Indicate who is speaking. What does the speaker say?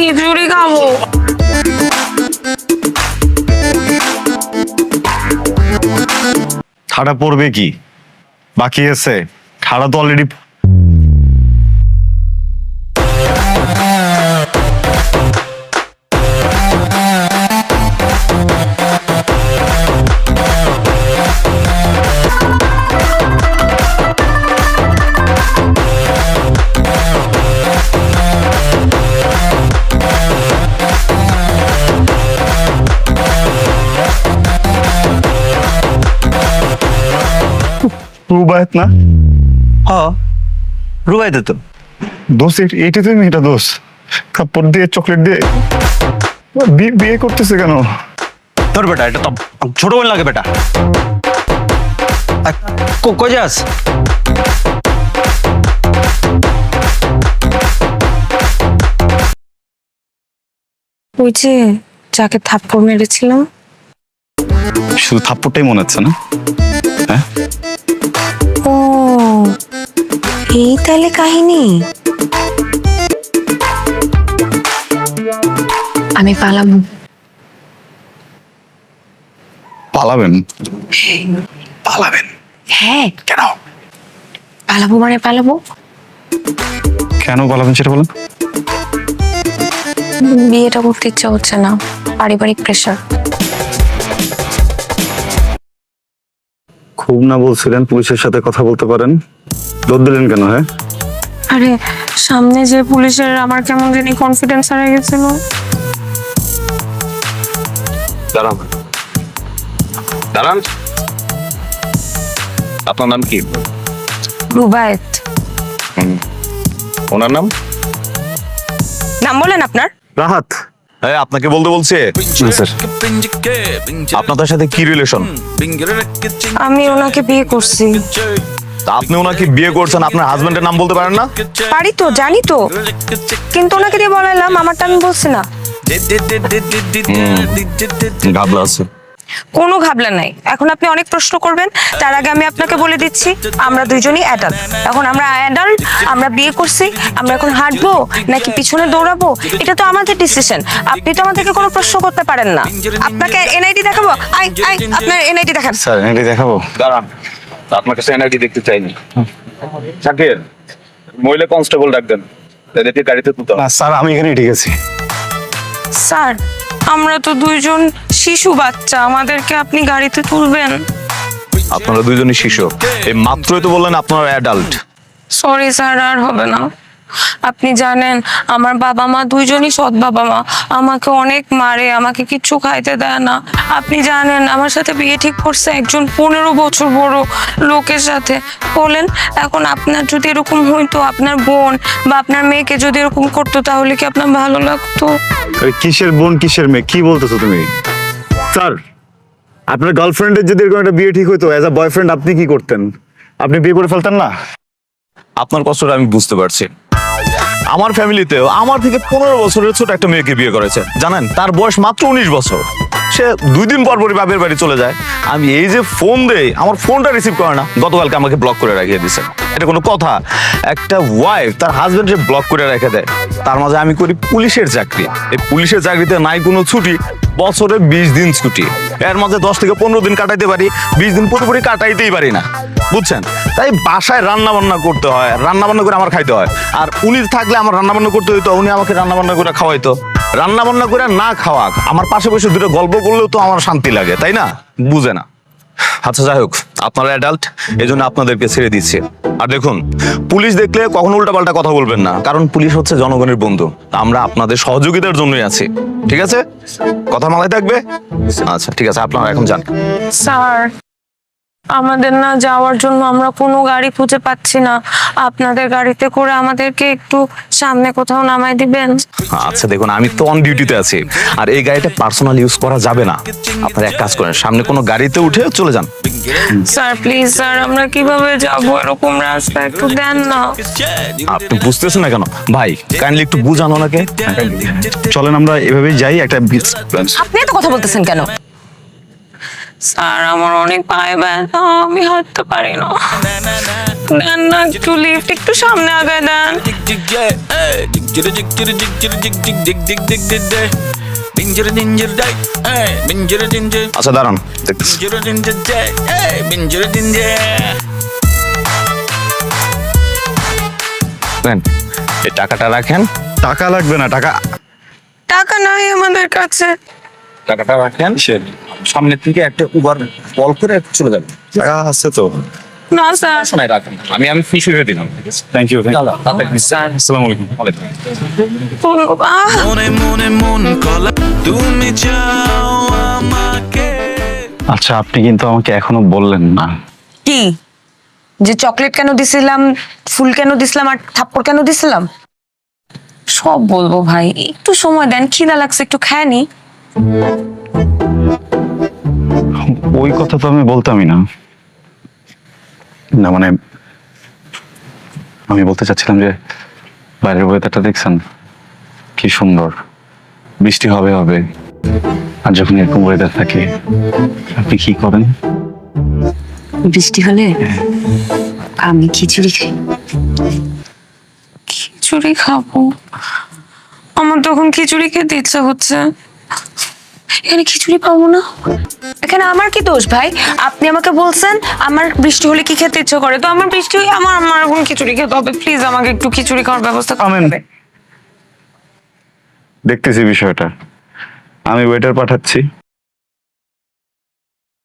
Speaker 1: খিচুড়ি খাবো।
Speaker 2: ঠাড়া পড়বে কি বাকি আছে? ঠাড়া তো অলরেডি রুবায়ত না?
Speaker 3: হ্যাঁ রুবাইতে তো।
Speaker 2: দোষ এইটা তুমি এটা দোষ কাপড় দিয়ে চকলেট দিয়ে বিয়ে করতেছে কেন?
Speaker 3: তোর বেটা এটা তো ছোট বোন লাগে বেটা। কই যাস?
Speaker 1: ওই যে যাকে থাপ্পড় মেরেছিলাম।
Speaker 2: শুধু থাপ্পড়টাই মনে হচ্ছে না? হ্যাঁ
Speaker 1: ও এই তাহলে কাহিনী। আমি পালাবো।
Speaker 2: পালাবেন? পালাবেন
Speaker 1: হ্যাঁ
Speaker 2: কেন?
Speaker 1: পালাবো মানে পালাবো।
Speaker 2: কেন পালাবেন সেটা বলেন।
Speaker 1: বিয়েটা করতে ইচ্ছা হচ্ছে না, পারিবারিক প্রেশার।
Speaker 2: খুব না বলছিলেন পুলিশের সাথে কথা বলতে পারেন, দৌড় দিলেন কেন? হ্যাঁ
Speaker 1: আরে সামনে যে পুলিশের আমার কেমন জানি কনফিডেন্স হারিয়ে গেছিল।
Speaker 4: দাঁড়ান দাঁড়ান, আপনার নাম কি?
Speaker 1: রুবায়েত।
Speaker 4: ওনার নাম?
Speaker 1: নাম বলেন আপনার।
Speaker 2: রাহাত।
Speaker 4: হ্যাঁ আপনাকে বলতে বলছে।
Speaker 2: স্যার
Speaker 4: আপনাদের সাথে কি রিলেশন?
Speaker 1: আমি ওনাকে বিয়ে করছি।
Speaker 4: আপনি ওনাকে বিয়ে করছেন, আপনার হাজবেন্ডের নাম বলতে পারেন না?
Speaker 1: পারি তো, জানি তো, কিন্তু ওনাকে দিয়ে বলাইলাম, আমারটা আমি বলছি না।
Speaker 4: ঘাবলা আছে।
Speaker 1: কোনো ঘাবলা নাই। এখন আপনি অনেক প্রশ্ন করবেন, তার আগে আমি আপনাকে বলে দিচ্ছি আমরা দুইজনই অ্যাডাল্ট। এখন আমরা অ্যাডাল্ট, আমরা বিয়ে করছি, আমরা এখন হাঁটবো নাকি পিছনে দৌড়াবো এটা তো আমাদের ডিসিশন। আপনি তো আমাদেরকে কোনো প্রশ্ন করতে পারেন না। আপনাকে এনআইডি দেখাবো? আই আই আপনার এনআইডি দেখান।
Speaker 2: স্যার এনআইডি দেখাবো?
Speaker 4: দাঁড়ান, আপনার কাছে এনআইডি দেখতে চাইনি। শাকির, মহিলা কনস্টেবল ডাক দেন, এদেরকে গাড়িতে তুলতে হবে।
Speaker 2: না স্যার আমি এখানে ঠিক আছি।
Speaker 1: স্যার আমরা তো দুইজন শিশু বাচ্চা, আমাদেরকে আপনি গাড়িতে তুলবেন?
Speaker 4: আপনারা দুইজনই শিশু। এই মাত্রই তো বললেন আপনারা অ্যাডাল্ট।
Speaker 1: সরি স্যার, আর হবে না। আপনি জানেন আমার বাবা মা দুইজনই সৎ বাবা মা, আমাকে অনেক মারে, আমাকে কিচ্ছু খাইতে দেয় না। আপনি জানেন আমার সাথে বিয়ে ঠিক করছে একজন 15 বছর বড় লোকের সাথে। বলেন এখন আপনার যদি এরকম হইতো, আপনার বোন বা আপনার মেয়েকে যদি এরকম করতো, তাহলে কি আপনার ভালো লাগতো?
Speaker 2: কিসের বোন কিসের মেয়ে কি বলতেছো তুমি? স্যার আপনার গার্লফ্রেন্ডের যদি এরকম একটা বিয়ে ঠিক হইতো, অ্যাজ আ বয়ফ্রেন্ড আপনি কি করতেন? আপনি বিয়ে করে ফেলতেন না?
Speaker 4: আপনার কষ্টটা আমি বুঝতে পারছি। আমার ফ্যামিলিতেও আমার থেকে 15 বছরের ছোট একটা মেয়েকে বিয়ে করেছে, জানেন তার বয়স মাত্র 19 বছর। সে 2 দিন পর পরই বাপের বাড়ি চলে যায়। আমি এই যে ফোন দেই, আমার ফোনটা রিসিভ করে না। গতকালকে আমাকে ব্লক করে রাখিয়ে দিছে। এটা কোনো কথা? একটা ওয়াইফ তার হাজবেন্ডকে ব্লক করে রেখে দেয়। তার মাঝে আমি করি পুলিশের চাকরি। এই পুলিশের চাকরিতে নাই কোনো ছুটি, বছরে 20 দিন ছুটি। এর মাঝে 10 থেকে 15 দিন কাটাইতে পারি, 20 দিন পুরোপুরি কাটাইতেই পারি না, বুঝছেন? তাই বাসায় রান্না বান্না করতে হয়, রান্না বান্না করে আমার খাইতে হয়। আর উনি থাকলে আমার রান্না বান্না করতে হইতো, উনি আমাকে রান্না বান্না করে খাওয়াইতো। রান্না বান্না করে না খাওয়াক, আমার পাশে বসে দুটো গল্প করলেও তো আমার শান্তি লাগে, তাই না? বুঝে না। আচ্ছা যাই হোক, আপনারা অ্যাডাল্ট, এই জন্য আপনাদেরকে ছেড়ে দিচ্ছে। আর দেখুন, পুলিশ দেখলে কখনো উল্টাপাল্টা কথা বলবেন না, কারণ পুলিশ হচ্ছে জনগণের বন্ধু। আমরা আপনাদের সহযোগিতার জন্যই আছি, ঠিক আছে? কথা মাথায় থাকবে? আচ্ছা ঠিক আছে, আপনারা এখন যান।
Speaker 1: স্যার আমাদের না যাওয়ার জন্য আমরা কোনো গাড়ি খুঁজে পাচ্ছি না, আপনাদের গাড়িতে করে আমাদেরকে একটু সামনে কোথাও নামাই দিবেন?
Speaker 4: আচ্ছা দেখুন, আমি তো অন ডিউটিতে আছি, আর এই গাড়িটা পার্সোনাল ইউজ করা যাবে না। আপনারা এক কাজ করেন, সামনে কোনো গাড়িতে উঠে চলে যান।
Speaker 1: স্যার প্লিজ স্যার, আমরা কিভাবে যাবো? এরকম রাস্তা একটু দেন না।
Speaker 4: আপনি বুঝতেছেন না কেন ভাই? কাইন্ডলি একটু বুঝান ওনাকে।
Speaker 2: চলেন আমরা এভাবেই যাই। একটা
Speaker 1: আপনি এত কথা বলতেছেন কেন? স্যার আমার অনেক পায়ে ব্যথা, আমি হাঁটতে পারি না। দেন না একটু লিফট, একটু সামনে আগায় দেন।
Speaker 5: Binjir jig jig jig jig jig jig jig jig jig jig jig. Binjir dinjir day, hey, binjir dinjir.
Speaker 4: আচ্ছা দাঁড়ান দেখতেছি।
Speaker 5: Binjir dinjir day, hey, binjir dinjir.
Speaker 4: নেন, এই টাকাটা রাখেন।
Speaker 2: টাকা লাগবে না, টাকা
Speaker 1: টাকা নাই আমাদের কাছে।
Speaker 4: টাকাটা রাখেন, সামনে থেকে একটা উবার কল করে চলে যাবেন।
Speaker 2: টাকা আছে তো।
Speaker 1: না স্যার,
Speaker 4: শোনাই রাখেন, আমি ফিস হয়ে দিলাম।
Speaker 2: Thank you.
Speaker 4: আসসালামু আলাইকুম।
Speaker 5: মনে মনে মন কলা তুমি চাও আমাকে।
Speaker 2: আচ্ছা, আপনি কিন্তু আমাকে এখনো বললেন না।
Speaker 1: কি যে চকলেট কেন দিছিলাম, ফুল কেন দিছিলাম, আর থাপ্পড় কেন দিছিলাম? সব বলবো ভাই, একটু সময় দেন, খিদা লাগছে, একটু খায় নি।
Speaker 2: ওই কথা তো আমি বলতামই না। না মানে আমি বলতে চাচ্ছিলাম যে বাইরের ওয়েদারটা দেখছেন কি সুন্দর, বৃষ্টি হবে হবে। আর যখন এরকম ওয়েদার থাকে আপনি কি করেন?
Speaker 6: বৃষ্টি হলে আমি খিচুড়ি খাই।
Speaker 1: খিচুড়ি খাবো? আমার তখন খিচুড়ি খেতে ইচ্ছা হচ্ছে। এখানে খিচুড়ি পাবো না। এখানে আমার কি দোষ ভাই? আপনি আমাকে বলছেন আমার বৃষ্টি হলে কি খেতে ইচ্ছে করে, তো আমার বৃষ্টি হলে আমার আমার এখন খিচুড়ি খেতে হবে। প্লিজ আমাকে একটু খিচুড়ি খাওয়ার ব্যবস্থা করবেন।
Speaker 2: দেখতেছি বিষয়টা, আমি ওয়েটার পাঠাচ্ছি।